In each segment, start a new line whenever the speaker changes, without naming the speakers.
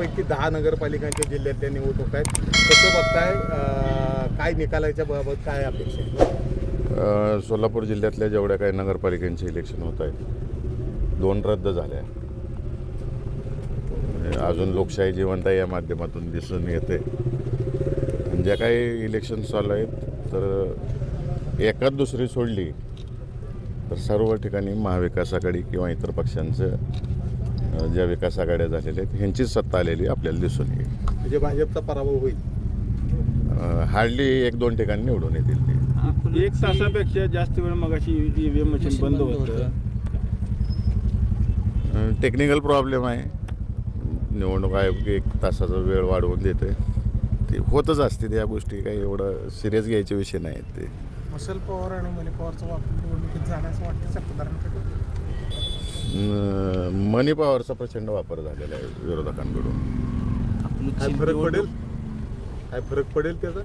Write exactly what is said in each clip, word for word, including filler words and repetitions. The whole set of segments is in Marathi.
बारापैकी दहा नगरपालिकांच्या जिल्ह्यातल्या निवडणूक आहेत. कसं बघताय, अं, काय निकालाच्या बाबत काय अपेक्षा आहे?
सोलापूर जिल्ह्यातल्या जेवढ्या काही नगरपालिकांचे इलेक्शन होत आहेत, दोन रद्द झाल्या. अजून लोकशाही जिवंत आहे या माध्यमातून दिसून येते. ज्या काही इलेक्शन चालू आहेत तर एकाच दुसरी सोडली तर सर्व ठिकाणी महाविकास आघाडी किंवा इतर पक्षांचं ज्या विकास आघाड्या झालेल्या आहेत ह्यांचीच सत्ता आलेली आपल्याला दिसून येईल.
म्हणजे भाजपचा पराभव होईल.
हार्डली एक दोन ठिकाणी निवडून येतील ते.
एक तासापेक्षा जास्त वेळ मगाशी ईव्हीएम मशीन बंद होतं.
टेक्निकल प्रॉब्लेम आहे. निवडणूक आयोग एक तासाचा वेळ वाढवून देते. ते होतच असते त्या गोष्टी, काही एवढं सिरियस घ्यायचे विषय नाहीत ते.
मसल पॉवर आणि मनी पॉवरचा वापर निवडणुकीत जाण्याचं वाटतं सत्ताधाऱ्यांकडे.
मनी पॉवरचा प्रचंड वापर झालेला आहे विरोधकांकडून.
काय फरक पडेल काय फरक पडेल त्याचा?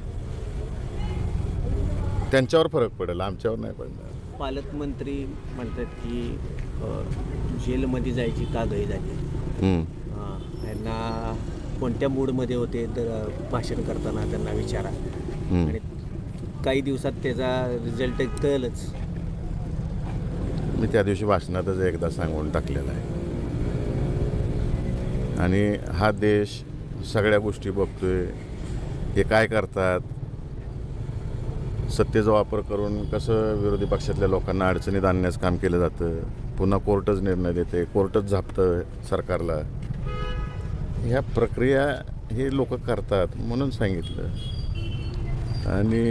त्यांच्यावर फरक पडेल, आमच्यावर नाही पडणार.
पालकमंत्री म्हणतात की अ, जेलमध्ये जायची का गई झाली.
हम्म.
अ, यांना कोणत्या मूडमध्ये होते तर भाषण करताना त्यांना विचारा.
हम्म.
आणि काही दिवसात त्याचा रिझल्ट कळलंच.
मी त्या दिवशी भाषणातच एकदा सांगून टाकलेला आहे. आणि हा देश सगळ्या गोष्टी बघतोय. हे काय करतात, सत्तेचा वापर करून कसं विरोधी पक्षातल्या लोकांना अडचणीत आणण्याचं काम केलं जातं. पुन्हा कोर्टच निर्णय देते, कोर्टच झापतं सरकारला. ह्या प्रक्रिया हे लोक करतात म्हणून सांगितलं. आणि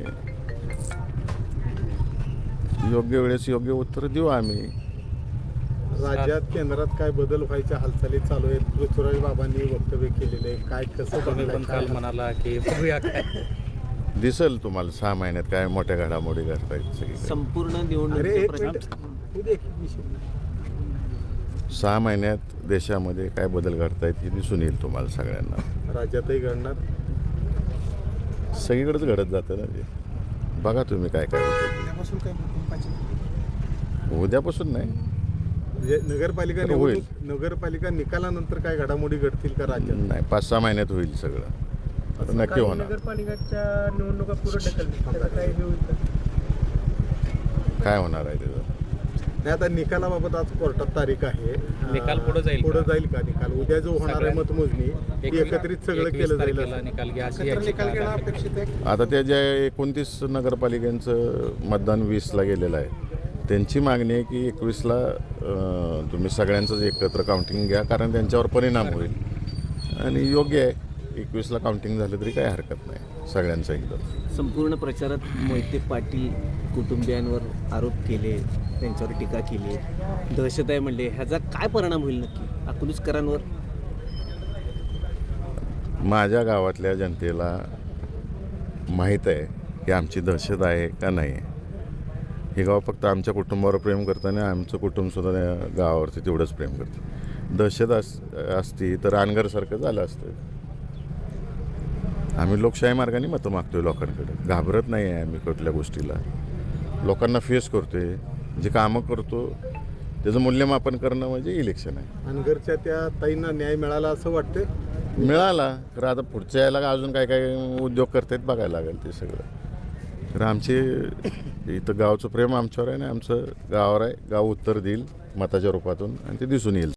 योग्य वेळेस योग्य उत्तर देऊ आम्ही.
राज्यात केंद्रात काय बदल व्हायच्या हालचाली चालू आहेत. पृथ्वीराज बाबांनी वक्तव्य केलेले आहे. काय कसं
तुम्ही पण
बघताय?
काल म्हणाला की बघूया काय
दिसेल तुम्हाला सहा महिन्यात काय मोठ्या घडामोडी घडतायत सगळी.
संपूर्ण
अरे
निवडणूक
एक मिनिट होऊ दे, एक विषय.
सहा महिन्यात देशामध्ये काय बदल घडतायत हे दिसून येईल तुम्हाला सगळ्यांना.
राज्यातही घडणार.
सगळीकडेच घडत जातं ना ते. बघा तुम्ही काय काय होतं.
उद्यापासून काय भूकंपाची
उद्यापासून नाही,
म्हणजे नगरपालिका
तर होईल.
निवडणूक नगरपालिका निकालानंतर काय घडामोडी घडतील का राज्यात?
नाही पाच सहा महिन्यात होईल सगळं. आता नक्की होणार.
नगरपालिकाच्या निवडणुका पुढे ढकलली त्याचा काय हे होईल का?
काय होणार आहे त्याचं?
नाही, आता निकालाबाबत आज कोर्टात तारीख आहे.
निकाल पुढं जाईल
पुढे
का?
जाईल का निकाल? उद्या जो होणार आहे मतमोजणी ती एकत्रित सगळं केलं जाईल
तारखेला
असं.
निकाल घ्या अशी
एकत्र निकाल घेणं
याचिका
अपेक्षित आहे.
आता त्या ज्या एकोणतीस नगरपालिकांचं मतदान वीसला गेलेलं आहे त्यांची मागणी आहे की एकवीसला अं, तुम्ही सगळ्यांचंच एकत्र काउंटिंग घ्या, कारण त्यांच्यावर परिणाम होईल. आणि योग्य आहे, एकवीसला काउंटिंग झालं तरी काही हरकत नाही सगळ्यांचं एकदम.
संपूर्ण प्रचारात मोहिते पाटील कुटुंबियांवर आरोप केले, त्यांच्यावर टीका केली, दहशत आहे म्हणले. ह्याचा काय परिणाम होईल नक्की अकलूजकरांवर?
माझ्या गावातल्या जनतेला माहीत आहे की आमची दहशत आहे का नाही आहे. हे गाव फक्त आमच्या कुटुंबावर प्रेम करतं आणि आमचं कुटुंबसुद्धा त्या गावावरती तेवढंच प्रेम करतं. दहशत अस असती तर अनगरसारखं झालं असतं. आम्ही लोकशाही मार्गाने मतं मागतोय लोकांकडे. घाबरत नाही आहे आम्ही कुठल्या गोष्टीला. लोकांना फेस करतोय, जे कामं करतो त्याचं मूल्यमापन करणं म्हणजे इलेक्शन आहे.
अनगरच्या त्या ताईंना न्याय मिळाला असं वाटतंय.
मिळाला तर आता पुढच्या याला अजून काय काय उद्योग करतायत बघायला लागेल ते सगळं. तर आमचे इथं गावचं प्रेम आमच्यावर आहे आणि आमचं गावावर आहे. गाव उत्तर देईल मताच्या रूपातून आणि ते दिसून येईल.